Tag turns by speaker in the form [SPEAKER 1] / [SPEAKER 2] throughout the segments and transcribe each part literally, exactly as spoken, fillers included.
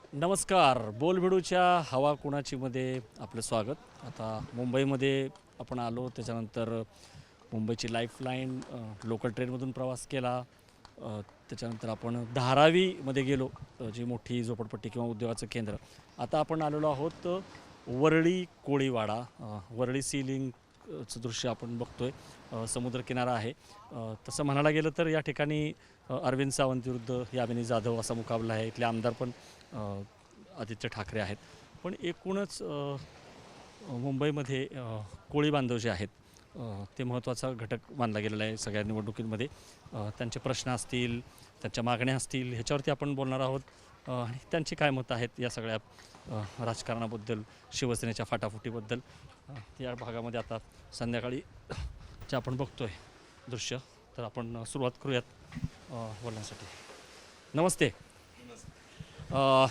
[SPEAKER 1] नमस्कार. बोलबिडूच्या हवा कुणाची मध्ये आपलं स्वागत. आता मुंबईमध्ये आपण आलो, त्याच्यानंतर मुंबईची लाईफलाईन लोकल ट्रेनमधून प्रवास केला. अ, त्याच्यानंतर आपण धारावीमध्ये गेलो, अ, जी मोठी झोपडपट्टी किंवा उद्योगाचं केंद्र. आता आपण आलेलो आहोत अ, वरळी कोळीवाडा. अ, वरळी सीलिंग चं दृश्य आपण बघतोय. अ, समुद्रकिनारा आहे. अ, तसं म्हणायला गेलं तर या ठिकाणी अ, अरविंद सावंत विरुद्ध यामिनी जाधव असा मुकाबला आहे. इथले आमदार पण अ, आदित्य ठाकरे आहेत. पण एकूणच अ, अ, मुंबईमध्ये अ, कोळी बांधव जे आहेत, अ, ते महत्त्वाचा घटक मानला गेलेला आहे सगळ्या निवडणुकींमध्ये. अ, त्यांचे प्रश्न असतील, त्यांच्या मागण्या असतील, ह्याच्यावरती आपण बोलणार आहोत. अ, आणि त्यांची काय मतं आहेत या सगळ्या अ, राजकारणाबद्दल, शिवसेनेच्या फाटाफुटीबद्दल. अ, या भागामध्ये आता संध्याकाळी जे आपण बघतोय दृश्य, तर आपण सुरुवात करूयात अ, बोलण्यासाठी. नमस्ते. अ,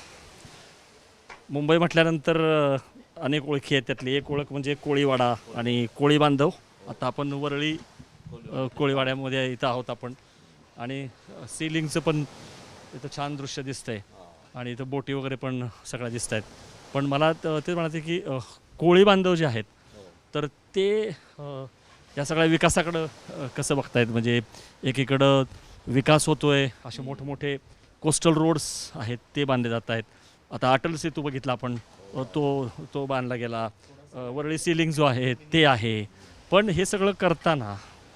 [SPEAKER 1] मुंबई म्हटल्यानंतर अ, अनेक ओळखी आहेत. त्यातली एक ओळख म्हणजे कोळीवाडा आणि कोळी बांधव. आता आपण वरळी अ, कोळीवाड्यामध्ये इथं आहोत आपण. आणि अ, सीलिंगचं पण इथं छान दृश्य दिसतंय. आणि इथं बोटी वगैरे पण सगळ्या दिसत आहेत. पण मला त ते म्हणायचं की अ, कोळी बांधव जे आहेत, तर ते अ, या सगळ्या विकासाकडं अ, कसं बघतायत? म्हणजे एकीकडं विकास होतोय, असे मोठमोठे कोस्टल रोड्स आहेत ते बांधले जात आहेत. आता अटल सेतू बघितला आपण, अ, तो तो बांधला गेला. अ, वरळी सीलिंग जो आहे ते आहे. पण हे सगळं करताना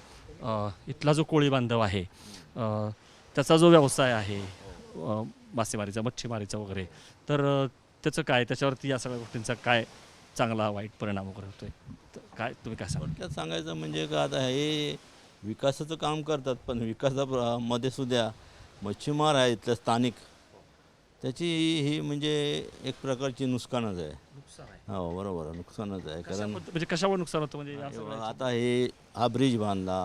[SPEAKER 1] अ, इथला जो कोळी बांधव आहे, अ, त्याचा जो व्यवसाय आहे, अ, मासेमारीचा, मच्छीमारीचा वगैरे, तर अ, त्याचं काय, त्याच्यावरती या सगळ्या गोष्टींचा काय चांगला वाईट परिणाम वगैरे होतोय? तर काय तुम्ही काय सांगा?
[SPEAKER 2] थोडक्यात सांगायचं म्हणजे का आता हे विकासाचं काम करतात, पण विकासा मध्ये सुद्धा मच्छीमार आहे इथलं स्थानिक, त्याची ही म्हणजे एक प्रकारची नुकसानच आहे.
[SPEAKER 1] नुकसान आहे.
[SPEAKER 2] हो बरोबर आहे, नुकसानच आहे.
[SPEAKER 1] कशा
[SPEAKER 2] कारण
[SPEAKER 1] पद्ध म्हणजे कशावर नुकसान होतं म्हणजे या
[SPEAKER 2] हे बघा,
[SPEAKER 1] सगळ्याचं?
[SPEAKER 2] आता हे हा ब्रिज बांधला,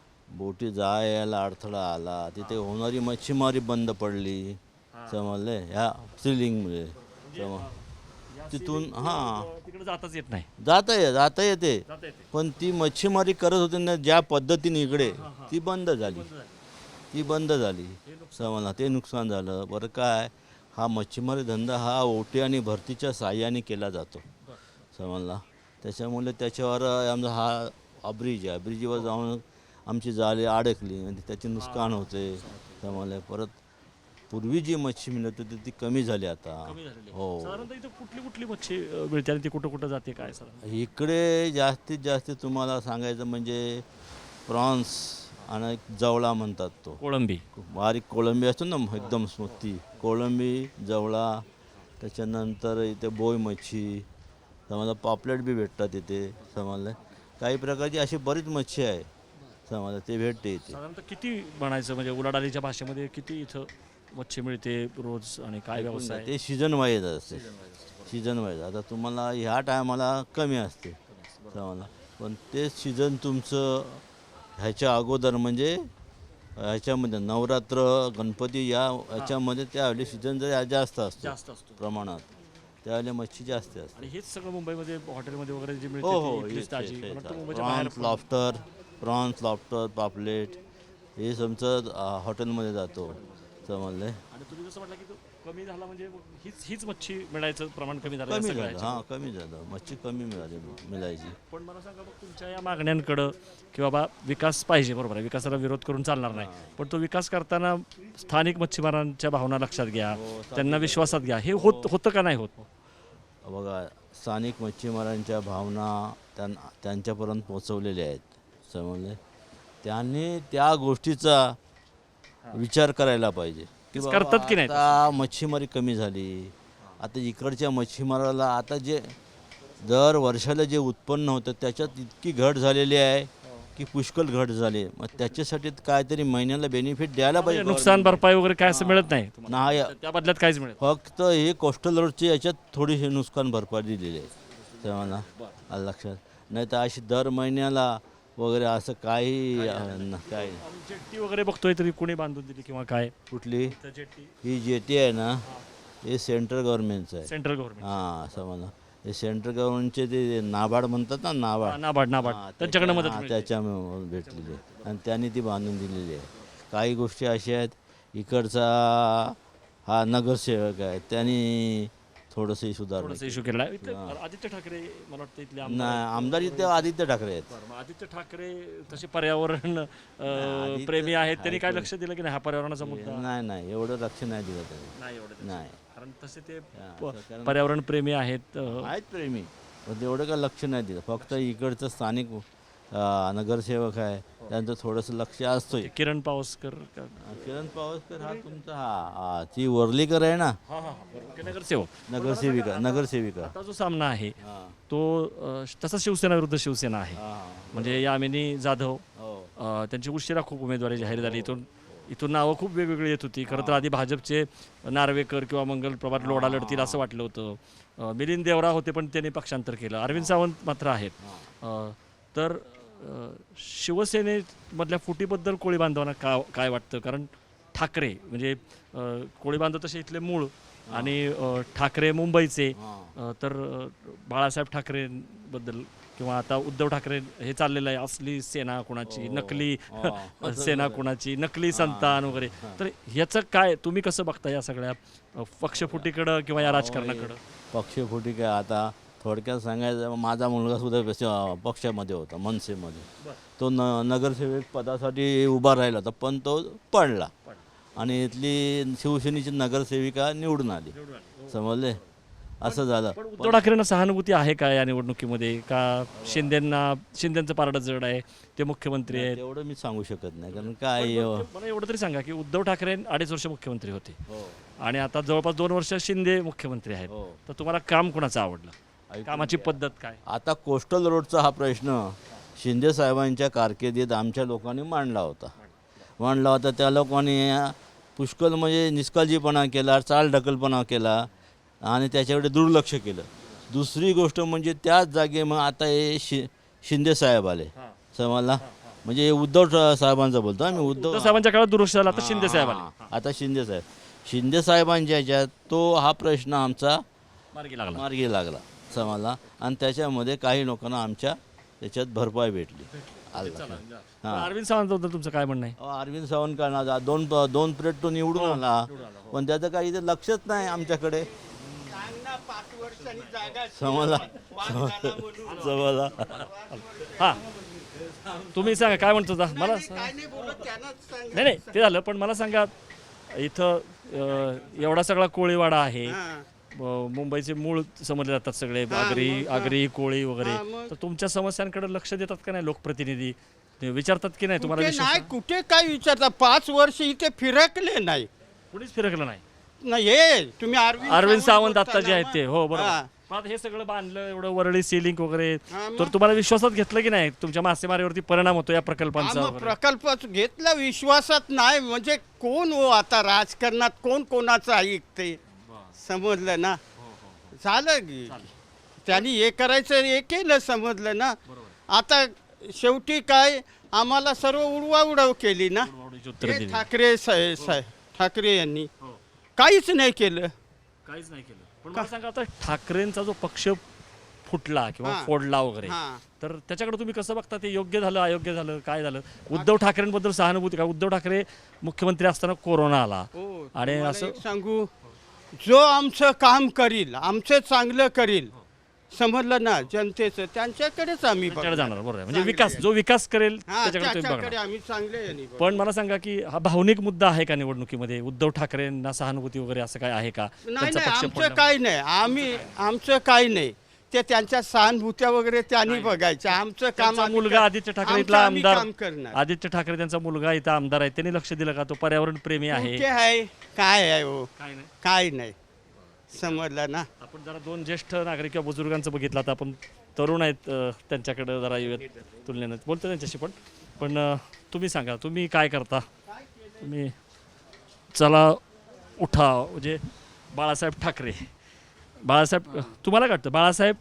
[SPEAKER 2] बोटी जायला अडथळा आला, तिथे होणारी मच्छीमारी बंद पडली,
[SPEAKER 1] हां.
[SPEAKER 2] समजले ह्या सिलिंगमुळे.
[SPEAKER 1] म्हणजे
[SPEAKER 2] सम
[SPEAKER 1] अ, या
[SPEAKER 2] तिथून
[SPEAKER 1] ceiling मुळे,
[SPEAKER 2] हां
[SPEAKER 1] अ, तिकडे जाताच येत नाही.
[SPEAKER 2] जाता ये जाता येते,
[SPEAKER 1] जाता येते.
[SPEAKER 2] पण ती मच्छीमारी करत होती ना ज्या पद्धतीने इकडे,
[SPEAKER 1] हां, हां.
[SPEAKER 2] ती बंद
[SPEAKER 1] ते
[SPEAKER 2] झाली.
[SPEAKER 1] बंद झालं.
[SPEAKER 2] ती बंद झाली.
[SPEAKER 1] हे नुकसान.
[SPEAKER 2] समजला ते नुकसान झालं. बरं काय, हा मच्छीमारी धंदा हा ओटी आणि भरतीच्या साह्याने केला जातो,
[SPEAKER 1] बरं.
[SPEAKER 2] समजला. त्याच्यामुळे त्याच्यावर आमचा हा हा ब्रिज आहे, ब्रिजवर जाऊन आमची जाळी अडकली आणि त्याचे नुकसान होते, समजले. परत पूर्वी जी मच्छी मिळत होती ती कमी झाली आता.
[SPEAKER 1] कमी झालेली आहे.
[SPEAKER 2] हो,
[SPEAKER 1] साधारणतः इथं कुठली कुठली मच्छी अ, मिळते आणि ती कुठं कुठं जाते काय साधारण?
[SPEAKER 2] इकडे जास्तीत जास्त तुम्हाला सांगायचं म्हणजे प्रॉन्स आणि जवळा म्हणतात तो.
[SPEAKER 1] कोळंबी.
[SPEAKER 2] बारीक कोळंबी असतो ना एकदम स्मूथी, कोळंबी, जवळा. त्याच्यानंतर इथे बोई मच्छी, समजा पापलेट बी भेटतात इथे, समजलं. काही प्रकारची अशी बरीच मच्छी आहे, समजलं, ते भेटते इथे.
[SPEAKER 1] साधारणतः किती म्हणायचं म्हणजे उलाढालीच्या भाषेमध्ये किती इथं मच्छी मिळते रोज आणि काय
[SPEAKER 2] ऐकून घ्या,
[SPEAKER 1] व्यवसाय?
[SPEAKER 2] ते सीझन वाईज असते, सीझन वाईज. आता तुम्हाला ह्या टायमाला कमी असते, समजलं. पण ते सीझन तुमचं ह्याच्या अगोदर म्हणजे ह्याच्यामध्ये नवरात्र, गणपती या ह्याच्यामध्ये त्यावेळी सीझन जर जास्त असतो
[SPEAKER 1] जास्त असतो.
[SPEAKER 2] प्रमाणात, त्यावेळी मच्छी जास्त असते.
[SPEAKER 1] आणि हेच सगळं मुंबईमध्ये हॉटेलमध्ये वगैरे जे
[SPEAKER 2] हो
[SPEAKER 1] मिळते
[SPEAKER 2] हो,
[SPEAKER 1] ती इथलीच
[SPEAKER 2] हेच
[SPEAKER 1] ताजी.
[SPEAKER 2] हेच
[SPEAKER 1] मला
[SPEAKER 2] हेच
[SPEAKER 1] वाटतं मुंबईच्या बाहेर
[SPEAKER 2] प्रॉन्स,
[SPEAKER 1] पण.
[SPEAKER 2] लॉबस्टर, प्रॉन्स, लॉबस्टर, पापलेट, हे तुमचं हॉटेलमध्ये जातो, समजले.
[SPEAKER 1] आणि तुम्ही जसं म्हटलं की तो कमी झाला म्हणजे मग हीच हीच मच्छी मिळायचं प्रमाण कमी झालं या
[SPEAKER 2] कमी
[SPEAKER 1] सगळ्या
[SPEAKER 2] झालं,
[SPEAKER 1] ह्याच्यामुळे.
[SPEAKER 2] हां कमी झालं, मच्छी कमी मिळाली मिळायची.
[SPEAKER 1] पण मला सांगा, मग तुमच्या या मागण्यांकडं की बाबा विकास पाहिजे, बरोबर आहे, विकासाला विरोध करून चालणार नाही, पण तो विकास करताना स्थानिक मच्छीमारांच्या भावना लक्षात घ्या,
[SPEAKER 2] हो,
[SPEAKER 1] त्यांना विश्वासात घ्या. हे होत होतं का नाही होत?
[SPEAKER 2] बघा, स्थानिक मच्छीमारांच्या भावना त्यां त्यांच्यापर्यंत पोचवलेल्या आहेत, समजले. त्यांनी त्या गोष्टीचा विचार करायला पाहिजे की
[SPEAKER 1] तेच
[SPEAKER 2] बाबा
[SPEAKER 1] करतात की नाही
[SPEAKER 2] आता मच्छीमारी कमी झाली. आता इकडच्या मच्छीमाराला आता जे दर वर्षाला जे उत्पन्न होतं त्याच्यात इतकी घट झालेली आहे की पुष्कळ घट झाली. मग त्याच्यासाठी काहीतरी महिन्याला बेनिफिट द्यायला
[SPEAKER 1] म्हणजे
[SPEAKER 2] पाहिजे
[SPEAKER 1] नुकसान
[SPEAKER 2] government.
[SPEAKER 1] भरपाई वगैरे काय असं मिळत नाही तुम्हाला?
[SPEAKER 2] नाही,
[SPEAKER 1] त्या बदल्यात काहीच मिळत
[SPEAKER 2] फक्त हे कोस्टल रोडची याच्यात थोडीशी नुकसान भरपाई दिलेली आहे, तेव्हा आलं लक्षात. नाही तर अशी दर महिन्याला वगैरे असं काही अं, काही
[SPEAKER 1] आणि जेट्टी वगैरे बघतोय तरी कोणी बांधून दिली किंवा काय?
[SPEAKER 2] कुठली
[SPEAKER 1] इथं जेट्टी
[SPEAKER 2] ही जेटी आहे ना, हे सेंट्रल गव्हर्नमेंटचं आहे.
[SPEAKER 1] Central government.
[SPEAKER 2] हां, समजलं. हे सेंट्रल गव्हर्नमेंटचे ते नाबार्ड म्हणतात ना, नाबार्ड.
[SPEAKER 1] नाबार्ड नाबार्ड
[SPEAKER 2] हां,
[SPEAKER 1] त्यांच्याकडे
[SPEAKER 2] त्याच्या-
[SPEAKER 1] मदत
[SPEAKER 2] हां,
[SPEAKER 1] मिळते.
[SPEAKER 2] त्याच्यामुळे भेटलेली आहे आणि त्यांनी ती बांधून दिलेली आहे. काही गोष्टी अशा आहेत, इकडचा हा नगरसेवक आहे, त्यांनी थोडंसं सुधारणा
[SPEAKER 1] थोडासा इश्यू केला आहे. इथं आदित्य ठाकरे मला वाटतं इथले आमदार
[SPEAKER 2] नाही, आमदार इथे आदित्य ठाकरे आहेत.
[SPEAKER 1] बरं, मग आदित्य ठाकरे तसे पर्यावरण अं, प्रेमी आहेत, त्यांनी काय लक्ष दिलं की नाही हा पर्यावरणाचा मुद्दा
[SPEAKER 2] नाही नाही एवढं लक्ष नाही दिलं त्यांनी.
[SPEAKER 1] नाही एवढं
[SPEAKER 2] नाही
[SPEAKER 1] कारण तसे ते
[SPEAKER 2] हा, कारण
[SPEAKER 1] पर्यावरण प्रेमी आहेत. अं,
[SPEAKER 2] आहेत प्रेमी, पण तेवढं काय लक्ष नाही दिलं. फक्त इकडचं स्थानिक अं, नगरसेवक आहे, त्यांचं थोडंसं लक्ष असतोय.
[SPEAKER 1] किरण पावसकर का-
[SPEAKER 2] किरण पावसकर हा तुमचा हा हा ती वर्लीकर आहे ना,
[SPEAKER 1] हा हा बरोबर. ते नगरसेवक
[SPEAKER 2] नगरसेविका नगरसेविका
[SPEAKER 1] आता जो सामना आहे
[SPEAKER 2] हा
[SPEAKER 1] तो अं, तसा शिवसेना विरुद्ध शिवसेना आहे.
[SPEAKER 2] हा
[SPEAKER 1] म्हणजे यामिनी जाधव
[SPEAKER 2] हो
[SPEAKER 1] अ, त्यांची उशिरा खूप उमेदवारी जाहीर झाली. इथून इथून नावं खूप वेगवेगळी येत होती. खरं तर आधी भाजपचे नार्वेकर किंवा मंगल प्रभात लोढा लढतील असं वाटलं होतं. अ, मिलिंद देवरा होते पण त्यांनी पक्षांतर केलं. अरविंद सावंत मात्र आहेत. अ, तर अ, शिवसेनेमधल्या फुटीबद्दल कोळी बांधवांना का काय वाटतं? कारण ठाकरे म्हणजे अ, कोळी बांधव तसे इथले मूळ आणि अ, ठाकरे मुंबईचे. अ, तर अ, बाळासाहेब ठाकरेंबद्दल किंवा आता उद्धव ठाकरे हे चाललेलं आहे असली सेना कुणाची, नकली सेना कुणाची, नकली संतान वगैरे. तर ह्याचं काय तुम्ही कसं बघता या सगळ्या अ, पक्षफुटीकडं किंवा या राजकारणाकडं?
[SPEAKER 2] पक्षफुटी काय आता थोडक्यात सांगायचं, माझा मुलगा सुद्धा पक्ष- पक्षामध्ये होता, मनसेमध्ये. तो न नगरसेवक पदासाठी उभा राहिला होता, पण तो पडला आणि इथली शिवसेनेची नगरसेविका निवडून आली. समजले, असं झालं.
[SPEAKER 1] पण उद्धव ठाकरेंना सहानुभूती आहे का या निवडणुकीमध्ये? का शिंदेंना शिंदेंचं पारडं जड आहे, ते मुख्यमंत्री आहेत?
[SPEAKER 2] तेवढं मी सांगू शकत नाही, कारण काय अं,
[SPEAKER 1] मला एवढं तरी सांगा की उद्धव ठाकरे अडीच वर्ष मुख्यमंत्री होते
[SPEAKER 2] हो
[SPEAKER 1] आणि आता जवळपास दोन वर्ष शिंदे मुख्यमंत्री आहेत.
[SPEAKER 2] हो
[SPEAKER 1] तर तुम्हाला काम कुणाचं आवडलं?
[SPEAKER 2] ऐकून
[SPEAKER 1] कामाची पद्धत काय?
[SPEAKER 2] आता कोस्टल रोडचा हा प्रश्न शिंदे साहेबांच्या कारकिर्दीत आमच्या लोकांनी मांडला होता मांडला होता त्या लोकांनी पुष्कळ म्हणजे निष्काळजीपणा केला, चालढकलपणा केला आणि त्याच्याकडे दुर्लक्ष केलं. दुसरी गोष्ट म्हणजे त्याच जागे मग आता हे शि शिंदे साहेब आले समजला, म्हणजे हे उद्धव ठ- साहेबांचं बोलतो आम्ही. उद्धव
[SPEAKER 1] उद्धव साहेबांच्या काळात दुरुस्त झाला, आता शिंदे साहेब आले.
[SPEAKER 2] हां, आता शिंदे साहेब शिंदे साहेबांच्या ह्याच्यात तो हा प्रश्न आमचा
[SPEAKER 1] मार्गी लागला.
[SPEAKER 2] मार्गी लागला समजला आणि त्याच्यामध्ये काही लोकांना आमच्या त्याच्यात भरपाई भेटली.
[SPEAKER 1] पण अरविंद सावंतबद्दल तुमचं काय म्हणणं आहे?
[SPEAKER 2] अहो, अरविंद सावंत करणार दोन दोन प्लेट तो निवडून आला, पण त्याचं काही इथे लक्षच नाही आमच्याकडे. समजला समजला
[SPEAKER 1] हां तुम्ही सांगा काय म्हणतो होता? मला नाही नाही ते झालं, पण मला सांगा इथं अ, एवढा सगळा कोळीवाडा आहे. अ, मुंबईचे मूळ समजले जातात सगळे, आगरी आगरी कोळी वगैरे. तर तुमच्या समस्यांकडे लक्ष देतात का नाही लोकप्रतिनिधी? ते विचारतात की नाही तुम्हाला?
[SPEAKER 3] कुठे
[SPEAKER 1] विश्वास
[SPEAKER 3] नाही,
[SPEAKER 1] आहे?
[SPEAKER 3] कुठे काय विचारता? पाच वर्ष इथे फिरकले नाही.
[SPEAKER 1] कुणीच फिरकलं नाही.
[SPEAKER 3] नाही हे तुम्ही अरविंद
[SPEAKER 1] अरविंद सावंत
[SPEAKER 3] बोलता
[SPEAKER 1] आता जे
[SPEAKER 3] ना
[SPEAKER 1] आहेत
[SPEAKER 3] मग.
[SPEAKER 1] ते, हो बरोबर.
[SPEAKER 3] हा.
[SPEAKER 1] पण आता हे सगळं बांधलं एवढं वरळी सिलिंग वगैरे,
[SPEAKER 3] हा, मग?
[SPEAKER 1] तर तुम्हाला विश्वासात घेतलं की नाही तुमच्या मासेमारीवरती परिणाम होतो या प्रकल्पांचा
[SPEAKER 3] हा, मग
[SPEAKER 1] वगैरे?
[SPEAKER 3] प्रकल्प घेतला विश्वासात नाही म्हणजे कोण हो आता राजकारणात कोण कोणाचं ऐकते? समजलं ना, झालं की त्यांनी हे करायचं हे केलं, समजलं ना. आता शेवटी काय आम्हाला सर्व उडवाउडव केली ना.
[SPEAKER 1] उडवाउडवीची उत्तरं
[SPEAKER 3] हे
[SPEAKER 1] दिली.
[SPEAKER 3] ठाकरे साहेब साहेब ठाकरे यांनी
[SPEAKER 1] हो.
[SPEAKER 3] काहीच नाही केलं.
[SPEAKER 1] काहीच नाही केलं. पण मला सांगा आता ठाकरेंचा जो पक्ष फुटला किंवा
[SPEAKER 3] हा.
[SPEAKER 1] फोडला वगैरे,
[SPEAKER 3] हा.
[SPEAKER 1] तर त्याच्याकडे तुम्ही कसं बघता? ते योग्य झालं, अयोग्य झालं, काय झालं? उद्धव ठाकरेंबद्दल सहानुभूती का? उद्धव ठाकरे मुख्यमंत्री असताना कोरोना आला
[SPEAKER 3] हो,
[SPEAKER 1] आणि
[SPEAKER 3] तुम्हाला
[SPEAKER 1] असं
[SPEAKER 3] एक सांगू, जो आमचं काम करील, आमचं चांगलं करील, समजलं ना, जनतेचं त्यांच्याकडेच आम्ही
[SPEAKER 1] त्याच्याकडे
[SPEAKER 3] बघणार.
[SPEAKER 1] जाणार. बरोबर आहे. म्हणजे
[SPEAKER 3] चांगले
[SPEAKER 1] विकास
[SPEAKER 3] आहे.
[SPEAKER 1] जो विकास करेल
[SPEAKER 3] हा,
[SPEAKER 1] त्याच्याकडे तुम्ही
[SPEAKER 3] त्याच्याकडे
[SPEAKER 1] बघणार.
[SPEAKER 3] आम्ही चांगले यांनी बघणार.
[SPEAKER 1] पण मला सांगा की हा भावनिक मुद्दा आहे का निवडणुकीमध्ये? उद्धव ठाकरेंना सहानुभूती वगैरे असं काय आहे का?
[SPEAKER 3] नाही
[SPEAKER 1] त्यांचा
[SPEAKER 3] नाही
[SPEAKER 1] पक्ष
[SPEAKER 3] आमचं
[SPEAKER 1] फोडला-
[SPEAKER 3] काही नाही, आम्ही आमचं काही नाही. ते त्यांच्या सहानुभूत्या वगैरे त्यांनी बघायचं. आमचं काम
[SPEAKER 1] त्यांचा
[SPEAKER 3] आम्ही
[SPEAKER 1] मुलगा
[SPEAKER 3] कर-
[SPEAKER 1] आदित्य ठाकरे
[SPEAKER 3] आमचं
[SPEAKER 1] इथला
[SPEAKER 3] आम्ही
[SPEAKER 1] आमदार,
[SPEAKER 3] काम करणार.
[SPEAKER 1] आदित्य ठाकरे त्यांचा मुलगा इथं आमदार आहे, त्यांनी लक्ष दिलं का? तो पर्यावरण प्रेमी आहे.
[SPEAKER 3] कुठे आहे काय आहे हो?
[SPEAKER 1] काय नाही.
[SPEAKER 3] काय नाही, समजलं ना.
[SPEAKER 1] आपण जरा दोन ज्येष्ठ नागरिक किंवा बुजुर्गांचं बघितलं, आता आपण तरुण आहेत अ, त्यांच्याकडे जरा येऊयात तुलनेनं, बोलतो त्यांच्याशी. पण पण अ, तुम्ही सांगा, तुम्ही काय करता? तुम्ही चला उठा म्हणजे बाळासाहेब ठाकरे, बाळासाहेब तुम्हाला काय वाटतं? बाळासाहेब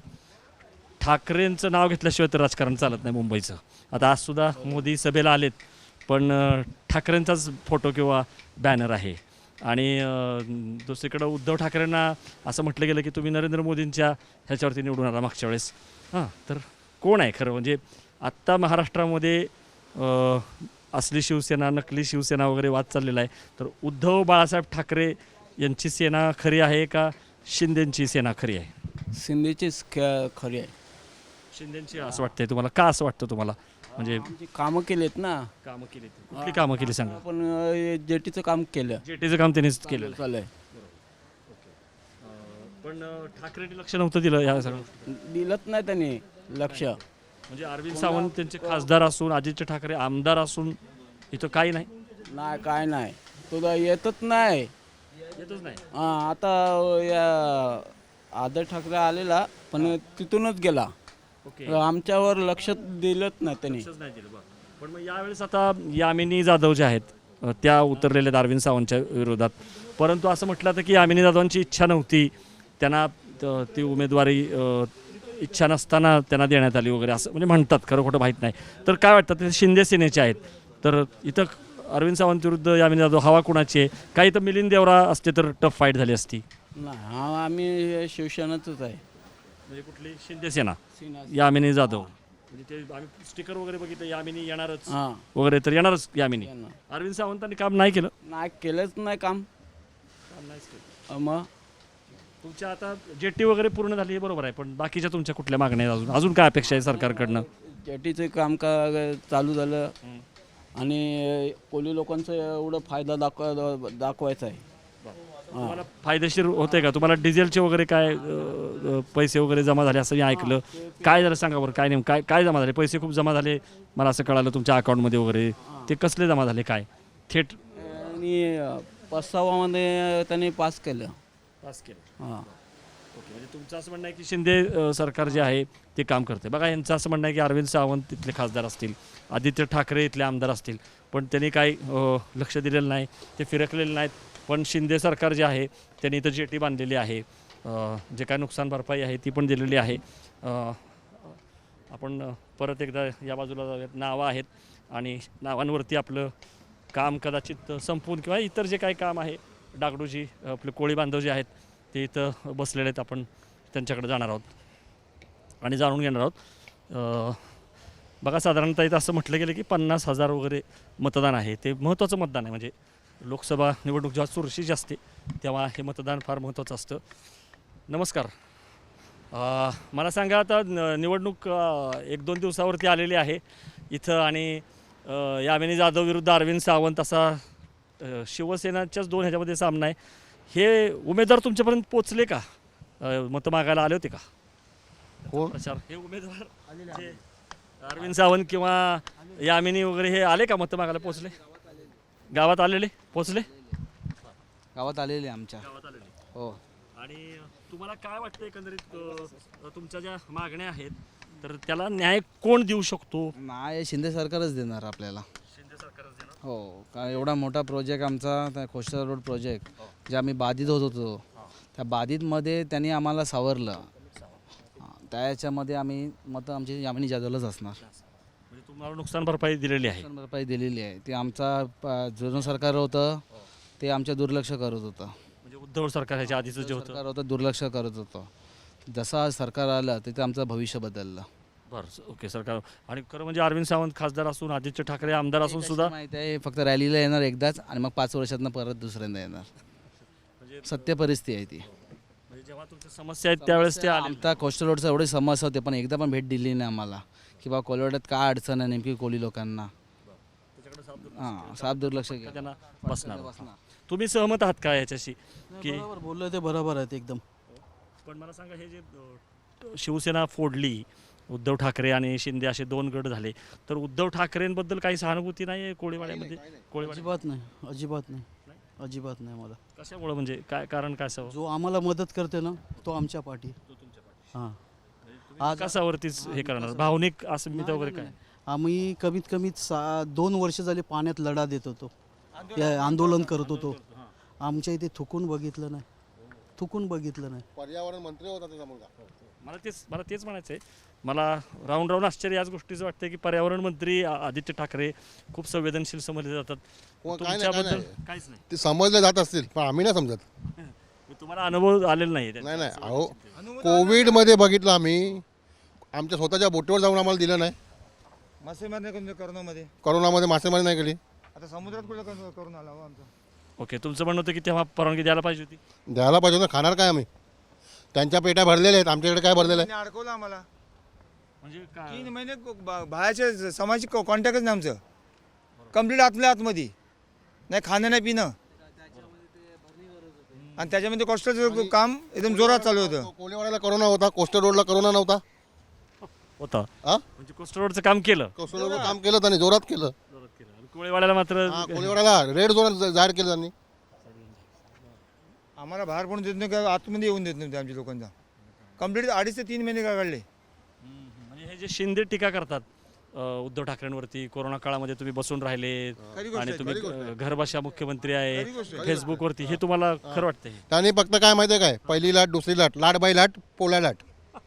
[SPEAKER 1] ठाकरेंचं नाव घेतल्याशिवाय तर राजकारण चालत नाही मुंबईचं. आता आज सुद्धा मोदी सभेला आलेत, पण अ, ठाकरेंचाच फोटो किंवा बॅनर आहे. आणि अ, दुसरीकडं उद्धव ठाकरेंना असं म्हटलं गेलं की तुम्ही नरेंद्र मोदींच्या ह्याच्यावरती निवडून आला मागच्या वेळेस. हां, तर कोण आहे खरं? म्हणजे आत्ता महाराष्ट्रामध्ये अ, असली शिवसेना, नकली शिवसेना वगैरे वाद चाललेला आहे. तर उद्धव बाळासाहेब ठाकरे यांची सेना खरी आहे का शिंदेची सेना खरी आहे?
[SPEAKER 4] शिंदेचीच ख- खरी आहे.
[SPEAKER 1] शिंदेची असं वाटतंय तुम्हाला? का असं वाटतं तुम्हाला? म्हणजे
[SPEAKER 4] आमची कामं केलेत ना.
[SPEAKER 1] कामं केली, कुठली कामं केली सांगा?
[SPEAKER 4] आपण अ, जेटीचं काम केलं.
[SPEAKER 1] जेटीचं काम त्यांनीच केलेलं आहे.
[SPEAKER 4] चालू
[SPEAKER 1] पण अं, ठाकरेंनी लक्ष नव्हतं दिलं या सगळं.
[SPEAKER 4] दिलंच नाही त्यांनी लक्ष.
[SPEAKER 1] म्हणजे अरविंद सावंत त्यांचे खासदार असून आदित्य ठाकरे आमदार असून इथं काही नाही,
[SPEAKER 4] नाही काय नाही, तुला येतच नाही.
[SPEAKER 1] येतच नाही.
[SPEAKER 4] हां आता या आदर ठाकरे आलेला पण तिथूनच गेला.
[SPEAKER 1] ओके,
[SPEAKER 4] आमच्यावर लक्ष दिलंच नाही त्यांनी.
[SPEAKER 1] लक्षच नाही दिलं. बरं. पण मग यावेळेस आता यामिनी जाधव ज्या आहेत अं, त्या उतरलेल्या आहेत अरविंद सावंतच्या विरोधात. परंतु असं म्हटलं तर की यामिनी जाधवांची इच्छा नव्हती, त्यांना त- ती उमेदवारी अं, इच्छा नसताना त्यांना देण्यात आली वगैरे असं म्हणजे म्हणतात, खरं खोटं माहीत नाही. तर काय वाटतं, ते शिंदे सेनेचे आहेत, तर इथं अरविंद सावंत विरुद्ध यामिनी जाधव हवा कुणाची आहे? काही तर मिलिंद देवरा असते तर टफ फाईट झाली असती.
[SPEAKER 4] नाही हा आम्ही शिवसेनाचंच आहे.
[SPEAKER 1] म्हणजे कुठली शिंदे सेना,
[SPEAKER 4] सेना.
[SPEAKER 1] यामिनी जाधव. म्हणजे ते आम्ही स्टिकर वगैरे बघितलं यामिनी येणारच
[SPEAKER 4] हां
[SPEAKER 1] वगैरे, तर येणारच यामिनी.
[SPEAKER 4] येणार.
[SPEAKER 1] अरविंद सावंतांनी काम नाही केलं.
[SPEAKER 4] नाही केलंच नाही काम.
[SPEAKER 1] काम नाहीच केलं.
[SPEAKER 4] अ, मग
[SPEAKER 1] तुमच्या आता जेटी वगैरे पूर्ण झाली हे बरोबर आहे, पण बाकीच्या तुमच्या कुठल्या मागण्या आहेत अजून? अजून काय अपेक्षा आहे सरकारकडनं?
[SPEAKER 4] जेटीचं काम का चालू झालं आणि कोली लोकांचा एवढं फायदा दाखवा दाखवायचा आहे.
[SPEAKER 1] तुम्हाला फायदेशीर होते का? तुम्हाला डिझेलचे वगैरे काय अ, अ, पैसे वगैरे जमा झाले असं मी ऐकलं. काय झालं सांगा बरं, काय नेम काय काय जमा झाले? पैसे खूप जमा झाले मला असं कळालं तुमच्या अकाउंटमध्ये वगैरे. ते कसले जमा झाले, काय थेट
[SPEAKER 4] आणि पस्तावामध्ये त्यांनी पास केलं.
[SPEAKER 1] पास केलं?
[SPEAKER 4] हां
[SPEAKER 1] ओके, म्हणजे तुमचं असं म्हणणं आहे की शिंदे अ, सरकार जे आहे ते काम करते. बघा यांचं असं म्हणणं आहे की अरविंद सावंत तिथले खासदार असतील, आदित्य ठाकरे इथले आमदार असतील, पण त्यांनी काही अ, लक्ष दिलेलं नाही, ते फिरकलेले नाहीत. पण शिंदे सरकार जे आहे त्यांनी इथं जेटी बांधलेली आहे, अ, जे काय नुकसान भरपाई आहे ती पण दिलेली आहे. अ, आपण अ, परत एकदा या बाजूला जाऊयात. नावं आहेत आणि नावांवरती आपलं काम कदाचित संपून किंवा इतर जे काही काम आहे, डागडूजी आपले कोळी बांधव जे आहेत ते इथं बसलेले आहेत. आपण त्यांच्याकडे जाणार आहोत आणि जाणून घेणार आहोत. अ, बघा साधारणतः इथं असं म्हटलं गेलं की पन्नास हजार वगैरे मतदान आहे. ते महत्त्वाचं मतदान आहे. म्हणजे लोकसभा निवडणूक जेव्हा चुरशीची असते तेव्हा हे मतदान फार महत्त्वाचं असतं. नमस्कार, अ, मला सांगा आता न- निवडणूक अ, एक दोन दिवसावरती आलेली आहे इथं आणि अ, यामिनी जाधव विरुद्ध अरविंद सावंत असा अ, शिवसेनाच्याच दोन ह्याच्यामध्ये सामना आहे. हे उमेदवार तुमच्यापर्यंत पोचले का? अ, मतं मागायला आले होते का?
[SPEAKER 5] कोण?
[SPEAKER 1] प्रचार हे उमेदवार जे अरविंद सावंत किंवा यामिनी वगैरे हे आले का मतं मागायला? पोचले? गावात आलेले पोचले?
[SPEAKER 5] गावात आलेले आमच्या.
[SPEAKER 1] गावात आलेले.
[SPEAKER 5] हो.
[SPEAKER 1] आणि तुम्हाला काय वाटतं एकंदरीत अ, तुमच्या ज्या मागण्या आहेत तर त्याला न्याय कोण देऊ शकतो?
[SPEAKER 5] नाही शिंदे सरकारच देणार आपल्याला.
[SPEAKER 1] शिंदे सरकारच देणार.
[SPEAKER 5] हो कारण एवढा मोठा प्रोजेक्ट आमचा त्या कोस्टल रोड प्रोजेक्ट जे आम्ही बाधित होत होतो त्या बाधितमध्ये त्यांनी आम्हाला सावरलं. हां, त्या याच्यामध्ये आम्ही मतं आमची यामिनी जाधवलाच असणार.
[SPEAKER 1] म्हणजे तुम्हाला नुकसान भरपाई दिलेली आहे.
[SPEAKER 5] नुकसान भरपाई दिलेली आहे. ते आमचा प- जुनं सरकार होतं ते आमच्या दुर्लक्ष करत होतं.
[SPEAKER 1] म्हणजे उद्धव सरकार ह्याच्या आधीचं जे होतं.
[SPEAKER 5] सरकार होतं दुर्लक्ष करत होतं. जसं सरकार आलं तिथे आमचं भविष्य बदललं.
[SPEAKER 1] बरं, ओके. सरकार आणि खरं म्हणजे अरविंद सावंत खासदार असून आदित्य ठाकरे आमदार असून सुद्धा
[SPEAKER 5] माहिती आहे फक्त रॅलीला येणार एकदाच आणि मग पाच वर्षातनं परत दुसऱ्यांदा येणार.
[SPEAKER 1] म्हणजे
[SPEAKER 5] सत्य परिस्थिती आहे ती.
[SPEAKER 1] म्हणजे जेव्हा तुमच्या समस्या आहेत त्यावेळेस ते आले.
[SPEAKER 5] आमचा कोस्टल रोडचा एवढी समस्या होते पण एकदा पण भेट दिली नाही आम्हाला की बा कोलवाड्यात काय अडचण आहे नेमकी कोली लोकांना.
[SPEAKER 1] त्याच्याकडे साफ दुर्लक्ष
[SPEAKER 5] हां साफ दुर्लक्ष
[SPEAKER 1] केलं.
[SPEAKER 5] केलं.
[SPEAKER 1] त्यांना बसणार. तुम्ही सहमत आहात का याच्याशी की?
[SPEAKER 6] बरोबर बोललं ते बरोबर आहेत एकदम.
[SPEAKER 1] पण मला सांगा, हे जे अ, शिवसेना फोडली, उद्धव ठाकरे आणि शिंदे असे दोन गट झाले, तर उद्धव ठाकरेंबद्दल काही सहानुभूती नाही आहे कोळीवाड्यामध्ये? कोळीवाड्या
[SPEAKER 6] अजिबात नाही अजिबात नाही अजिबात नाही मला.
[SPEAKER 1] कशामुळे, म्हणजे काय कारण, काय सव
[SPEAKER 6] जो आम्हाला मदत करते ना तो आमच्या पाठी. हां आज
[SPEAKER 1] कशावरतीच हे करणार? भावनिक अस्मिता वगैरे काय?
[SPEAKER 6] आम्ही कमीत कमी सा दोन वर्ष झाले पाण्यात लढा देत होतो, हे आंदोलन करत होतो. आमच्या इथे थुकून बघितलं नाही, थुकून बघितलं नाही.
[SPEAKER 7] पर्यावरण मंत्री होता त्याचा मुलगा.
[SPEAKER 1] मला तेच मला तेच म्हणायचं आहे. मला राऊंड राऊंड आश्चर्य याच गोष्टीचं वाटतं की पर्यावरण मंत्री आ- आदित्य ठाकरे खूप संवेदनशील समजले जातात.
[SPEAKER 7] हो, काय नाही, काय
[SPEAKER 1] तुमच्याबद्दल
[SPEAKER 7] नाही.
[SPEAKER 1] काहीच नाही.
[SPEAKER 7] ते समजले जात असतील पण आम्ही नाही समजत.
[SPEAKER 1] तुम्हाला अनुभव आलेला नाही त्याचा.
[SPEAKER 7] नाही नाही अहो कोविडमध्ये बघितलं आम्ही, आमच्या स्वतःच्या बोटीवर जाऊन आम्हाला दिलं नाही.
[SPEAKER 8] मासेमारी नाही करून करोनामध्ये.
[SPEAKER 7] करोनामध्ये मासेमारी नाही केली.
[SPEAKER 8] आता समुद्रात कुठे करून करून आला हो आमचा.
[SPEAKER 1] ओके, तुमचं म्हणणं होतं की तेव्हा परवानगी द्यायला पाहिजे होती.
[SPEAKER 7] द्यायला पाहिजे ना, खाणार काय आम्ही? त्यांच्या पेट्या भरलेल्या आहेत, आमच्याकडे काय भरलेलं आहे?
[SPEAKER 8] त्यांनी अडकवलं आम्हाला
[SPEAKER 1] म्हणजे काय
[SPEAKER 8] तीन महिने को- बा- बाहेरच्या समाजाची कॉन्टॅक्टच नाही आमचं. कम्प्लीट आतल्या आतमध्ये नाही खाणं नाही पिणं, आणि त्याच्यामध्ये कॉस्टलचं काम एकदम जोरात चालू होतं.
[SPEAKER 7] कोळीवाड्याला कोरोना होता, कोस्टर रोडला कोरोना नव्हता.
[SPEAKER 1] होता
[SPEAKER 7] हा
[SPEAKER 1] म्हणजे कोस्टर रोडचं काम केलं,
[SPEAKER 7] कोस्टर रोडला काम केलं त्यांनी, जोरात केलं.
[SPEAKER 1] आणि कोळीवाड्याला मात्र
[SPEAKER 7] हा, कोळीवाड्याला रेड झोन जाहीर केलं त्यांनी.
[SPEAKER 8] आम्हाला बाहेर पण देत नाही, का आतमध्ये येऊन देत नव्हते आमच्या लोकांना. कम्प्लीट अडीच ते तीन महिने काय काढले.
[SPEAKER 1] म्हणजे हे जे शिंदे टीका करतात अ, उद्धव ठाकरेंवरती, कोरोना काळामध्ये तुम्ही बसून राहिले
[SPEAKER 8] खरी गोष्ट
[SPEAKER 1] आणि
[SPEAKER 8] आहे,
[SPEAKER 1] तुम्ही
[SPEAKER 8] खरी गोष्ट आहे.
[SPEAKER 1] घरबसल्या मुख्यमंत्री आहे
[SPEAKER 8] खरी गोष्ट आहे.
[SPEAKER 1] फेसबुकवरती, हे तुम्हाला खरं वाटतं? हे
[SPEAKER 7] त्यांनी फक्त काय माहिती आहे काय, पहिली लाट, दुसरी लाट, लाट बाय लाट, पोळ्या लाट.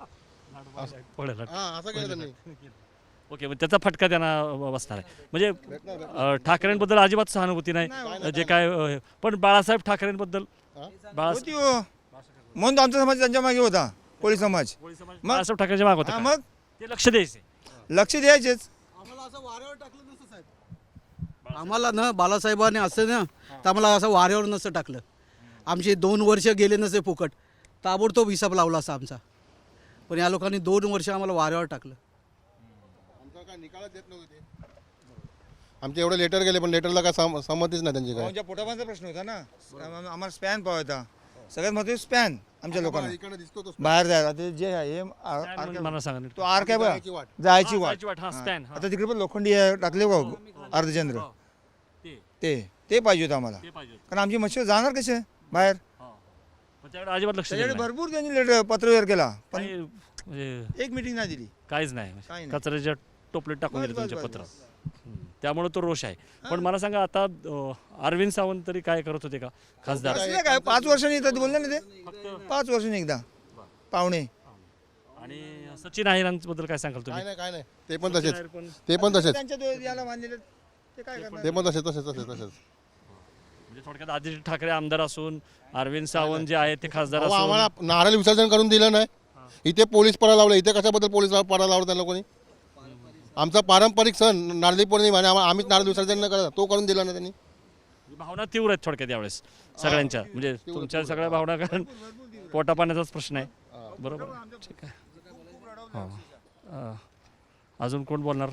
[SPEAKER 1] पळेल.
[SPEAKER 7] हा, असं केलं त्यांनी.
[SPEAKER 1] ओके, मग त्याचा फटका त्यांना बसणार आहे. म्हणजे अ, ठाकरेंबद्दल अजिबात सहानुभूती नाही जे काय अ, पण बाळासाहेब ठाकरेंबद्दल बाळासाहेब
[SPEAKER 8] होती हो, म्हणून तर आमचा समाज त्यांच्या मागे होता, कोळी समाज.
[SPEAKER 1] बाळासाहेब ठाकरेंच्या माग
[SPEAKER 8] हा,
[SPEAKER 1] होता,
[SPEAKER 8] मग
[SPEAKER 1] ते लक्ष द्यायचे.
[SPEAKER 8] लक्ष द्यायचेच.
[SPEAKER 6] आम्हाला असं वाऱ्यावर टाकलं नसतं साहेब. आम्हाला ना बालासाहेबांनी असं ना तर आम्हाला असं वाऱ्यावर नसतं टाकलं. आमचे दोन वर्ष गेले नसते फुकट, ताबडतोब हिसाब लावला असता आमचा. पण या लोकांनी दोन वर्ष आम्हाला वाऱ्यावर टाकलं.
[SPEAKER 7] आमचा काय निकालच देत नव्हते ते. आमचे एवढे लेटर गेले, पण लेटरला काय सम- संमतीच नाही त्यांची काय.
[SPEAKER 8] आमच्या पोटापानचा प्रश्न होता ना, आम- आम्हाला स्पॅन पाहायचा. सगळ्यात महत्त्वाचं स्पॅन आमच्या लोकांना
[SPEAKER 7] इकडे दिसतो तो
[SPEAKER 8] बाहेर जायला. आता जे आहे हे आर-
[SPEAKER 1] काय
[SPEAKER 8] आर-
[SPEAKER 1] म्हणजे मला सांगा नीट.
[SPEAKER 8] तो आर काय बघा,
[SPEAKER 7] जायची वाट.
[SPEAKER 8] जायची
[SPEAKER 1] हा,
[SPEAKER 8] वाट.
[SPEAKER 1] जायची वाट, हा, स्पॅन, हा.
[SPEAKER 8] आता तिकडे पण लोखंडी आहे, टाकले बघ अर्धचंद्र,
[SPEAKER 1] ते
[SPEAKER 8] ते ते पाहिजे होतं आम्हाला.
[SPEAKER 1] ते पाहिजे होतं.
[SPEAKER 8] कारण आमची मच्छर जाणार कसे बाहेर.
[SPEAKER 1] हा. पण त्याकडे अजिबात लक्ष दिलं
[SPEAKER 8] त्याच्याकडे
[SPEAKER 1] नाही.
[SPEAKER 8] भरपूर त्यांनी लेटर पत्रव्यवहार केला, पण
[SPEAKER 1] काही म्हणजे
[SPEAKER 8] एक मिटिंग नाही दिली.
[SPEAKER 1] काहीच नाही,
[SPEAKER 8] काही नाही.
[SPEAKER 1] कचऱ्याच्या टोपलीत टाकून
[SPEAKER 8] बस,
[SPEAKER 1] दिलं
[SPEAKER 8] बस,
[SPEAKER 1] तुमच्या
[SPEAKER 8] बस,
[SPEAKER 1] पत्र.
[SPEAKER 8] बस.
[SPEAKER 1] त्यामुळे तो रोष आहे. पण मला सांगा, आता अ, अरविंद सावंत तरी काय करत होते का खासदार?
[SPEAKER 8] असलं काय पाच वर्षांनी येतात बोलले ना ते, पाच वर्षांनी एकदा पाहुणे.
[SPEAKER 1] आणि सचिन अहिरांबद्दल काय सांगाल
[SPEAKER 7] काय
[SPEAKER 1] तुम्ही?
[SPEAKER 7] नाही, काय नाही, ते पण तसेच,
[SPEAKER 1] अहिर पण
[SPEAKER 7] ते पण तसेच,
[SPEAKER 8] त्यांच्या दो- याला बांधलेले ते काय करणार.
[SPEAKER 7] ते पण तसेच तसेच तसेच तसेच.
[SPEAKER 1] म्हणजे थोडक्यात आदित्य ठाकरे आमदार असून अरविंद सावंत जे आहेत ते खासदार
[SPEAKER 7] अहो,
[SPEAKER 1] असून
[SPEAKER 7] आम्हाला नारळ विसर्जन करून दिलं नाही. इथे पोलीस पडा लावलं, इथे कशाबद्दल पोलीस पडा लावलं त्या लोकांनी? आमचा पारंपरिक सण नारळी पौर्णिमा आणि आम्हा- आम्हीच नारळ विसर्जन न करत, तो करून दिला ना त्यांनी.
[SPEAKER 1] भावना तीव्र आहेत थोडक्यात यावेळेस सगळ्यांच्या, म्हणजे तुमच्या सगळ्या भावना, कारण पोटा पाण्याचाच प्रश्न आहे. बरोबर, ठीक आहे. हां. अं, अजून कोण बोलणार?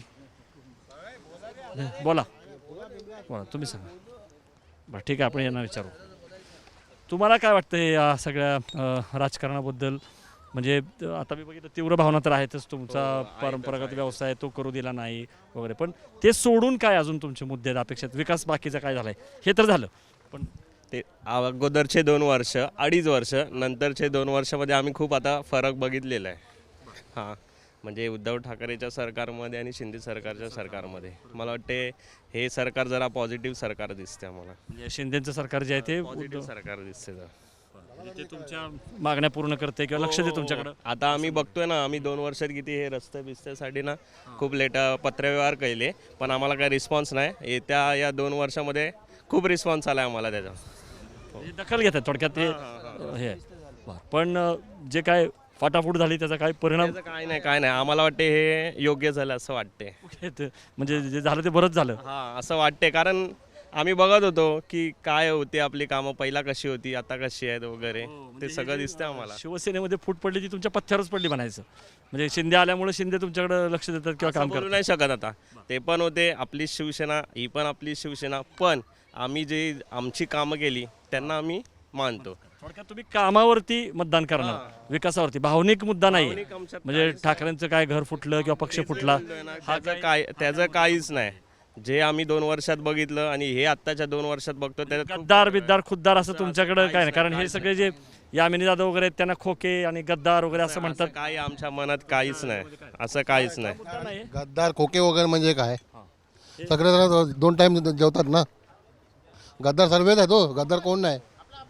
[SPEAKER 1] बोला बोला, तुम्ही सांगा. बरं, ठीक आहे, आपण यांना विचारू. तुम्हाला काय वाटतं या सगळ्या अं, राजकारणाबद्दल? म्हणजे त- आता मी बघितलं तीव्र भावना तर आहेतच, तुमचा परंपरागत व्यवसाय तो करू दिला नाही वगैरे, पण ते सोडून काय अजून तुमचे मुद्दे आहेत, अपेक्षित विकास बाकीचा काय झालाय? हे तर झालं, पण
[SPEAKER 9] ते अगोदरचे दोन वर्ष अडीच वर्ष नंतरचे दोन वर्षामध्ये आम्ही खूप आता फरक बघितलेला आहे. हां, म्हणजे उद्धव ठाकरेच्या सरकारमध्ये आणि शिंदे सरकारच्या सरकारमध्ये मला वाटते हे सरकार जरा पॉझिटिव्ह सरकार दिसते आम्हाला.
[SPEAKER 1] म्हणजे शिंदेचं सरकार जे आहे ते
[SPEAKER 9] पॉझिटिव्ह सरकार दिसते जरा.
[SPEAKER 1] म्हणजे ते तुमच्या मागण्या पूर्ण करते किंवा लक्ष दे तुमच्याकडं.
[SPEAKER 9] आता आम्ही बघतोय ना, आम्ही दोन वर्षात किती हे रस्ते बिस्त्यासाठी ना खूप लेट पत्रव्यवहार केले, पण आम्हाला काही रिस्पॉन्स नाही. येत्या या दोन वर्षामध्ये खूप रिस्पॉन्स आला आहे आम्हाला त्याचा.
[SPEAKER 1] म्हणजे दखल घेतात थोडक्यात ते हे आहे. बरं. पण अं, जे काय फाटाफूट झाली त्याचा काय परिणाम?
[SPEAKER 9] त्याचं काय नाही काय नाही आम्हाला वाटते हे योग्य झालं असं वाटते.
[SPEAKER 1] ते- म्हणजे जे झालं ते बरंच झालं.
[SPEAKER 9] हां, असं वाटते, कारण आम्ही बघत होतो की काय होते आपली कामं, पहिला कशी होती आता कशी आहेत वगैरे, ते सगळं दिसतं आम्हाला.
[SPEAKER 1] शिवसेनेमध्ये फूट पडली ती तुमच्या पथ्यावरच पडली म्हणायचं. म्हणजे शिंदे आल्यामुळे शिंदे तुमच्याकडे लक्ष देतात किंवा
[SPEAKER 9] असं
[SPEAKER 1] काम
[SPEAKER 9] बोलू
[SPEAKER 1] करतात.
[SPEAKER 9] नाही शकत आता. ते पण होते आपली शिवसेना, ही पण आपली शिवसेना, पण आम्ही जे आमची कामं केली त्यांना आम्ही मानतो.
[SPEAKER 1] थोडक्यात तुम्ही कामावरती मतदान करणार, विकासावरती, भावनिक मुद्दा नाही.
[SPEAKER 9] भावनिक आमच्यात
[SPEAKER 1] म्हणजे ठाकरेंचं काय घर फुटलं किंवा पक्ष फुटला,
[SPEAKER 9] त्याचं काय त्याचं काहीच नाही. जे आम्ही दोन वर्षात बघितलं आणि हे आत्ताच्या दोन वर्षात बघतो त्याच्यात खूप
[SPEAKER 1] गद्दार बिद्दार खुद्दार असं तुमच्याकडे काय नाही, कारण हे सगळे जे यामिनी जाधव वगैरे आहेत, त्यांना खोके आणि गद्दार वगैरे असं म्हणतात.
[SPEAKER 9] असं काही आमच्या मनात काहीच नाही, असं काहीच नाही.
[SPEAKER 7] गद्दार खोके वगैरे म्हणजे काय? सगळे जण दोन टाइम जेवतात ना. गद्दार सर्वेच आहे तो, गद्दार कोण नाही.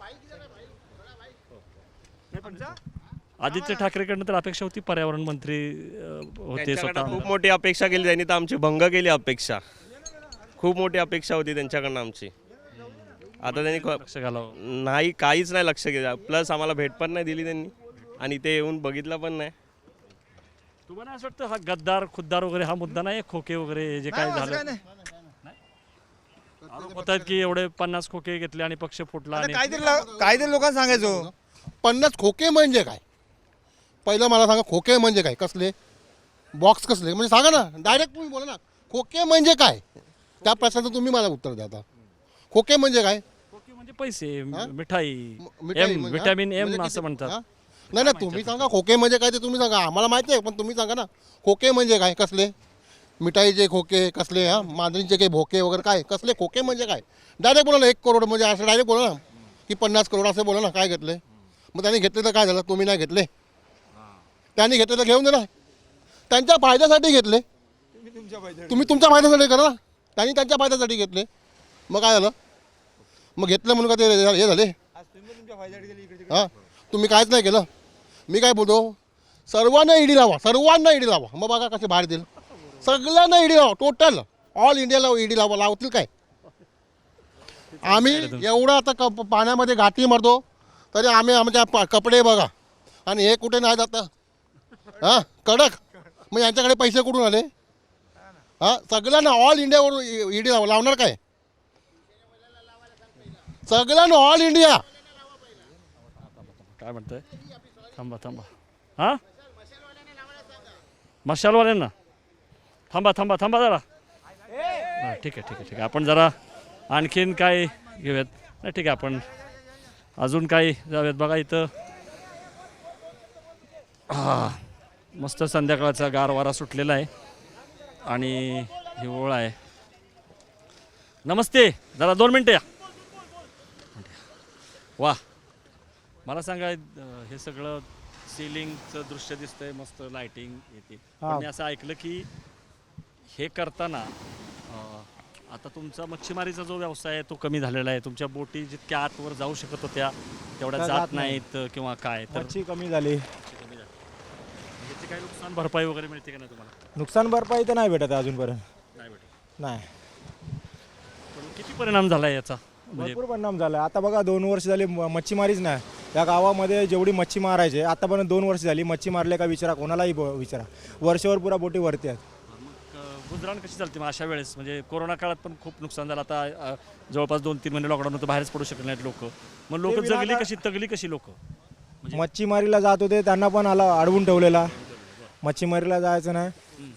[SPEAKER 1] आदित्य ठाकरेकडनं तर अपेक्षा होती पर्यावरण मंत्री अं, होते
[SPEAKER 9] त्यांच्याकडनं
[SPEAKER 1] स्वतः.
[SPEAKER 9] खूप मोठी अपेक्षा केली त्यांनी, तर आमची भंग केली अपेक्षा. खूप मोठी अपेक्षा होती त्यांच्याकडनं आमची. आता त्यांनी ख-
[SPEAKER 1] लक्ष घालावं.
[SPEAKER 9] नाही, काहीच नाही लक्ष केलं. प्लस आम्हाला भेट पण नाही दिली त्यांनी आणि ते येऊन बघितलं पण नाही.
[SPEAKER 1] तुम्हाला असं वाटतं हा गद्दार खुद्दार वगैरे हा मुद्दा नाही, खोके वगैरे हे जे काय
[SPEAKER 8] नाही, असं
[SPEAKER 1] झालं?
[SPEAKER 8] काय नाही.
[SPEAKER 1] आरोप होत आहेत की एवढे पन्नास खोके घेतले आणि पक्ष फुटला
[SPEAKER 8] आता
[SPEAKER 1] आणि
[SPEAKER 8] काहीतरी ला- काहीतरी लोकांना सांगायचो.
[SPEAKER 7] पन्नास खोके म्हणजे काय? पहिलं मला सांगा, खोके म्हणजे काय? कसले बॉक्स कसले म्हणजे सांगा ना, डायरेक्ट तुम्ही बोला ना, खोके म्हणजे काय? त्या प्रश्नाचं तुम्ही मला उत्तर द्या आता. खोके म्हणजे काय?
[SPEAKER 1] खोके म्हणजे पैसे मिठाई
[SPEAKER 7] म- मिठाई
[SPEAKER 1] एम
[SPEAKER 7] म्हणजे-
[SPEAKER 1] विटॅमिन
[SPEAKER 7] म्हणजे
[SPEAKER 1] एम
[SPEAKER 7] किती-
[SPEAKER 1] असं म्हणतात.
[SPEAKER 7] हा? नाही नाही तुम्ही सांगा खोके म्हणजे काय ते तुम्ही सांगा, आम्हाला माहिती आहे पण तुम्ही सांगा ना खोके म्हणजे काय? कसले मिठाईचे खोके कसले, हा मांजरीचे काही भोके वगैरे काय कसले खोके म्हणजे काय? डायरेक्ट बोला ना, एक करोड म्हणजे असं डायरेक्ट बोला ना की पन्नास करोड असं बोला ना, काय घेतले? मग त्यांनी घेतले तर काय झालं? तुम्ही नाही घेतले, त्यांनी घेतले तर घेऊन दे ना, त्यांच्या फायद्यासाठी घेतले. तुम्ही तुमच्या फायद्यासाठी करा ना, त्यांनी त्यांच्या फायद्यासाठी घेतले, मग काय झालं? मग घेतलं म्हणून का ते हे झाले? हां तुम्ही काहीच नाही केलं. मी काय बोलतो, सर्वांना ईडी लावा, सर्वांना ईडी लावा, मग बघा कसे बाहेर देईल. सगळ्यांना ईडी लावा, टोटल ऑल इंडियाला ईडी लावा. लावतील काय? आम्ही एवढं आता कप पाण्यामध्ये घाटी मारतो तरी आम्ही आमच्या प- कपडे बघा आणि हे कुठे नाही जातं, हां कडक. मग यांच्याकडे पैसे कुठून आले? हां सगळ्यांना ऑल इंडियावर ईडी लावा. लावणार काय? सगळ्यांना ऑल इंडिया.
[SPEAKER 1] काय म्हणतंय? थांबा थांबा हां मशालवाल्यांना थांबा थांबा थांबा जरा. हां ठीक आहे ठीक आहे ठीक आहे. आपण जरा आणखीन काय घेऊयात? नाही ठीक आहे, आपण अजून काय जाऊयात. बघा इथं हां मस्त संध्याकाळचा गार वारा सुटलेला आहे आणि हिवाळा आहे. नमस्ते, जरा दोन मिनटं या. वा, मला सांगा, अं, हे सगळं सिलिंगचं दृश्य दिसतंय, मस्त लाइटिंग येते. पण मी असं ऐकलं की हे करताना अं, आता तुमचा मच्छीमारीचा जो व्यवसाय आहे तो कमी झालेला आहे. तुमच्या बोटी जितक्या आतवर जाऊ शकत होत्या तेवढ्या जात नाहीत किंवा काय, तर
[SPEAKER 10] मच्छी कमी झाली.
[SPEAKER 1] याची काही नुकसान भरपाई वगैरे मिळते का नाही तुम्हाला?
[SPEAKER 10] नुकसान भरपाई तर नाही भेटत आहे अजूनपर्यंत.
[SPEAKER 1] नाही भेटत.
[SPEAKER 10] नाही,
[SPEAKER 1] पण किती परिणाम झाला याचा? म्हणजे
[SPEAKER 10] भरपूर परिणाम झाला. आता बघा दोन वर्ष झाली म- मच्छीमारीच नाही या गावामध्ये. जेवढी मच्छी मारायचे आतापर्यंत दोन वर्ष झाली, मच्छी मारले का विचारा, कोणालाही ब- विचारा, वर्षभर पुरा बोटी वरती आहेत.
[SPEAKER 1] मग अं, गुजराण कशी चालते मग अशा वेळेस? म्हणजे कोरोना काळात पण खूप नुकसान झालं. आता अं, जवळपास दोन तीन महिने लॉकडाऊन होतं, बाहेरच पडू शकले नाहीत लोक. मग लोक
[SPEAKER 10] ते
[SPEAKER 1] जगली
[SPEAKER 10] विनाकारण-
[SPEAKER 1] कशी, तगली कशी लोक?
[SPEAKER 10] मच्छीमारीला जात होते त्यांना पण आला अडवून ठेवलेला. मच्छीमारीला जायचं नाही.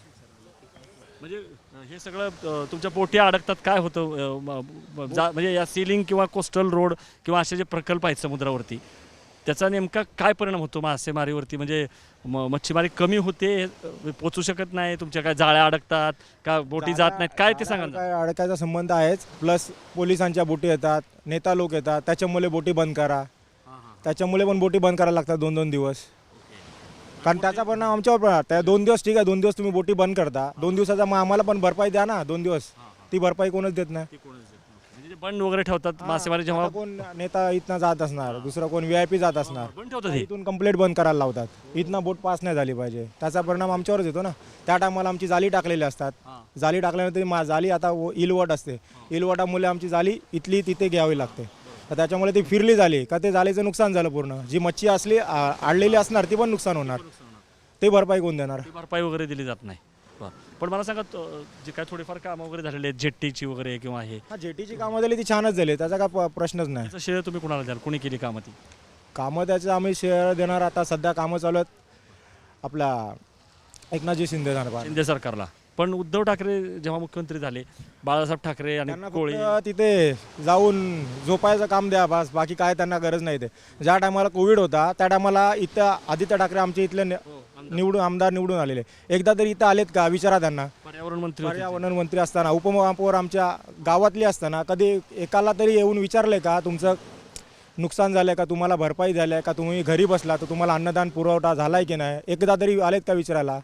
[SPEAKER 1] म्हणजे अं, हे सगळं अं, तुमच्या पोटी अडकतात. काय होतं अं, म- म- जा- म्हणजे या सीलिंग किंवा कोस्टल रोड किंवा असे जे प्रकल्प आहेत समुद्रावरती, त्याचा नेमका काय परिणाम होतो मासेमारीवरती? म्हणजे म- मच्छीमारी कमी होते, अं, पोचू शकत नाही, तुमच्या काय जाळ्या अडकतात का, बोटी जात नाहीत, काय ते सांगा ना.
[SPEAKER 10] काय अडकायचा संबंध आहेच. प्लस पोलिसांच्या बोटी येतात, नेता लोक येतात, त्याच्यामुळे बोटी बंद करा, त्याच्यामुळे पण बोटी बंद करायला लागतात दोन दोन दिवस. कारण त्याचा परिणाम आमच्यावर पण आहे. त्या दोन दिवस ठीक आहे, दोन दिवस तुम्ही बोटी बंद करता, दोन दिवसाचा मग आम्हाला पण भरपाई द्या ना. दोन दिवस ती भरपाई कोणच देत नाही.
[SPEAKER 1] म्हणजे जे बंद वगैरे ठेवतात मासेमारी जेव्हा
[SPEAKER 10] आता कोण नेता इथनं जात असणार, दुसरा कोण व्ही आय पी जात असणार,
[SPEAKER 1] बंद ठेवतात हे.
[SPEAKER 10] इथून कंप्लेंट बंद करायला लावतात. इथनं बोट पास नाही झाली पाहिजे, त्याचा परिणाम आमच्यावरच येतो ना. त्या टायमाला आमची जाळी टाकलेली असतात, जाळी टाकल्यानंतर मा जाळी आता व- इलवट असते, इलवटामुळे आमची जाळी इथली तिथे घ्यावी लागते. तर त्याच्यामुळे ती फिरली झाली का ते जाळीचं नुकसान झालं पूर्ण. जी मच्छी असली आ- आडलेली असणार ती पण नुकसान होणार. ते भरपाई कोण देणार?
[SPEAKER 1] ती भरपाई वगैरे दिली जात नाही. बरं. पण मला सांगा, तो- जे काय थोडीफार कामं वगैरे झालेली आहेत जेट्टीची वगैरे किंवा हे,
[SPEAKER 10] हा जेटीची कामं झाली ती छानच झाली, त्याचा काय प- प्रश्नच नाही.
[SPEAKER 1] त्याचं श्रेय तुम्ही कुणाला द्याल? कोणी केली कामं ती?
[SPEAKER 10] कामं त्याचं आम्ही शेअर देणार. आता सध्या कामं चालू आहेत आपला एकनाथजी शिंदे जाणार.
[SPEAKER 1] शिंदे सरकारला. पण उद्धव ठाकरे जेव्हा मुख्यमंत्री झाले, बाळासाहेब ठाकरे आणि
[SPEAKER 10] त्यांना
[SPEAKER 1] कोळी,
[SPEAKER 10] फक्त तिथे जाऊन झोपायचं काम द्या बस, बाकी काय त्यांना गरज नाही. ते ज्या टायमाला कोविड होता त्या टायमाला इथं आदित्य ठाकरे आमचे इथले नि- निवडून आमदार निवडून आलेले, एकदा तरी इथं आलेत का विचारा त्यांना.
[SPEAKER 1] पर्यावरण मंत्री होते ते.
[SPEAKER 10] पर्यावरण मंत्री असताना, उपमहापौर आमच्या गावातली असताना कधी एकाला तरी येऊन विचारले का तुमचं नुकसान झालंय का, तुम्हाला भरपाई झाली आहे का, तुम्ही घरी बसला तर तुम्हाला अन्नदान पुरवठा झालाय की नाही, एकदा तरी आलेत का विचारायला.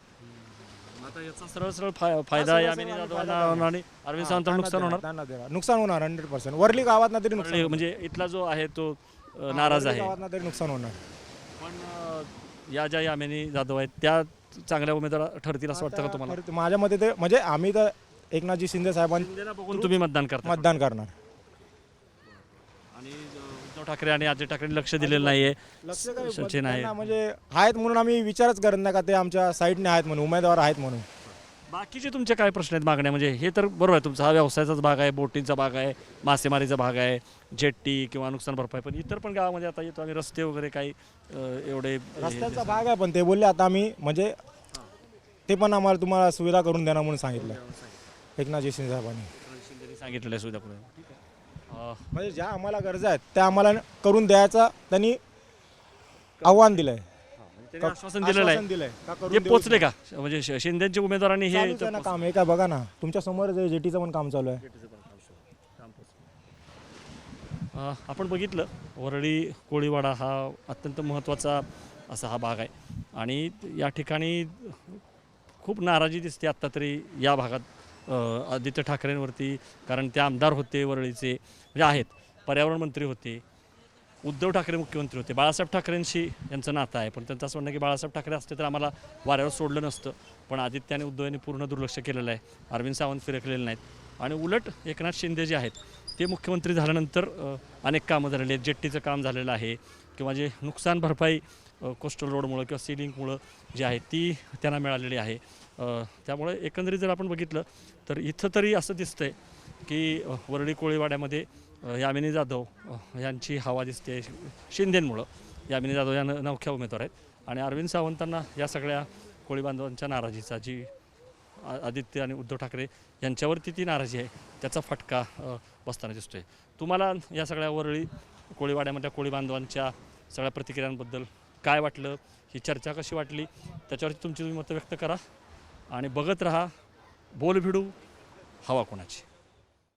[SPEAKER 1] आता याचा सरळ सरळ फाय- फायदा यामिनी जाधवांना होणार आणि अरविंद सावंतांना नुकसान होणार.
[SPEAKER 10] त्यांना देणार. नुकसान होणार हंड्रेड पर्सेंट. वरली गावात तरी नुकसान
[SPEAKER 1] आणि म्हणजे इथला जो आहे तो अ, नाराज आहे.
[SPEAKER 10] गावात तरी नुकसान होणार.
[SPEAKER 1] पण अ, या ज्या यामिनी जाधव आहेत त्या चांगल्या उमेदवार ठरतील असं वाटतं का तुम्हाला?
[SPEAKER 10] तर माझ्या मते ते म्हणजे आम्ही तर एकनाथजी शिंदे साहेबांना
[SPEAKER 1] शिंदेला बघून तुम्ही मतदान करता
[SPEAKER 10] मतदान करणार.
[SPEAKER 1] आणि अ, उद्धव ठाकरे आणि अजय ठाकरे लक्ष दिलेलं नाहीये.
[SPEAKER 10] लक्ष काय
[SPEAKER 1] सचिन आहे.
[SPEAKER 10] त्यांना म्हणजे आहेत म्हणून आम्ही विचारच करत नाही का ते आमच्या साईडने आहेत म्हणून, उमेदवार आहेत म्हणून.
[SPEAKER 1] बाकीचे तुमचे काय प्रश्न आहेत, मागण्या? म्हणजे हे तर बरोबर आहे, तुमचा हा व्यवसायाचाच भाग आहे, बोटिंगचा भाग आहे, मासेमारीचा भाग आहे, जेट्टी किंवा नुकसान भरपाई, पण इतर पण गावामध्ये आता येतो आम्ही रस्ते वगैरे काही अ, एवढे
[SPEAKER 10] रस्त्याचा भाग आहे, पण ते बोलले आता आम्ही म्हणजे ते पण आम्हाला तुम्हाला सुविधा करून देणार म्हणून सांगितलं एकनाथजी शिंदे साहेबांनी.
[SPEAKER 1] शिंदेनी सांगितलेलं आहे सुविधा करून. अ,
[SPEAKER 10] म्हणजे ज्या आम्हाला गरजा आहेत त्या आम्हाला करून द्यायचा त्यांनी आव्हान दिलंय,
[SPEAKER 1] त्यांनी आश्वासन दिलेलं आहे.
[SPEAKER 10] दिलंय का करून
[SPEAKER 1] जे
[SPEAKER 10] देऊ
[SPEAKER 1] पोचले का म्हणजे श- शिंदेच्या उमेदवारांनी हे
[SPEAKER 10] चालूच आहे ना काम. हे काय बघा ना तुमच्या समोर जेटीचं पण काम चालू आहे.
[SPEAKER 1] अ, आपण बघितलं वरळी कोळीवाडा हा अत्यंत महत्त्वाचा असा हा भाग आहे आणि या ठिकाणी खूप नाराजी दिसते आत्ता तरी या भागात अ, आदित्य ठाकरेंवरती, कारण ते आमदार होते वरळीचे, म्हणजे आहेत, पर्यावरण मंत्री होते, उद्धव ठाकरे मुख्यमंत्री होते, बाळासाहेब ठाकरेंशी यांचं नातं आहे, पण त्यांचं असं म्हणणं की बाळासाहेब ठाकरे असते तर आम्हाला वाऱ्यावर सोडलं नसतं, पण आदित्य आणि उद्धव यांनी पूर्ण दुर्लक्ष केलेलं आहे, अरविंद सावंत फिरकलेले नाहीत आणि उलट एकनाथ शिंदे जे आहेत ते मुख्यमंत्री झाल्यानंतर अ, अनेक कामं झालेली आहेत, जेट्टीचं काम झालेलं आहे किंवा जे नुकसान भरपाई कोस्टल रोडमुळं किंवा सी लिंकमुळं जी आहे ती त्यांना मिळालेली आहे. अ, त्यामुळे एकंदरीत जर आपण बघितलं तर इथं तरी असं दिसतंय की अ, वरळी कोळीवाड्यामध्ये अ, यामिनी जाधव अ, यांची हवा दिसते शिंदेंमुळं. यामिनी जाधव या न- नवख्या उमेदवार आहेत आणि अरविंद सावंतांना या सगळ्या कोळी बांधवांच्या नाराजीचा, जी आ- आदित्य आणि उद्धव ठाकरे यांच्यावरती ती नाराजी आहे, त्याचा फटका अ, बसताना दिसतोय. तुम्हाला या सगळ्या वरळी कोळीवाड्यामधल्या कोळी बांधवांच्या सगळ्या प्रतिक्रियांबद्दल काय वाटलं, ही चर्चा कशी वाटली, त्याच्यावरती तुमची तुम्ही मतं व्यक्त करा आणि बघत राहा बोलभिडू हवा कोणाची.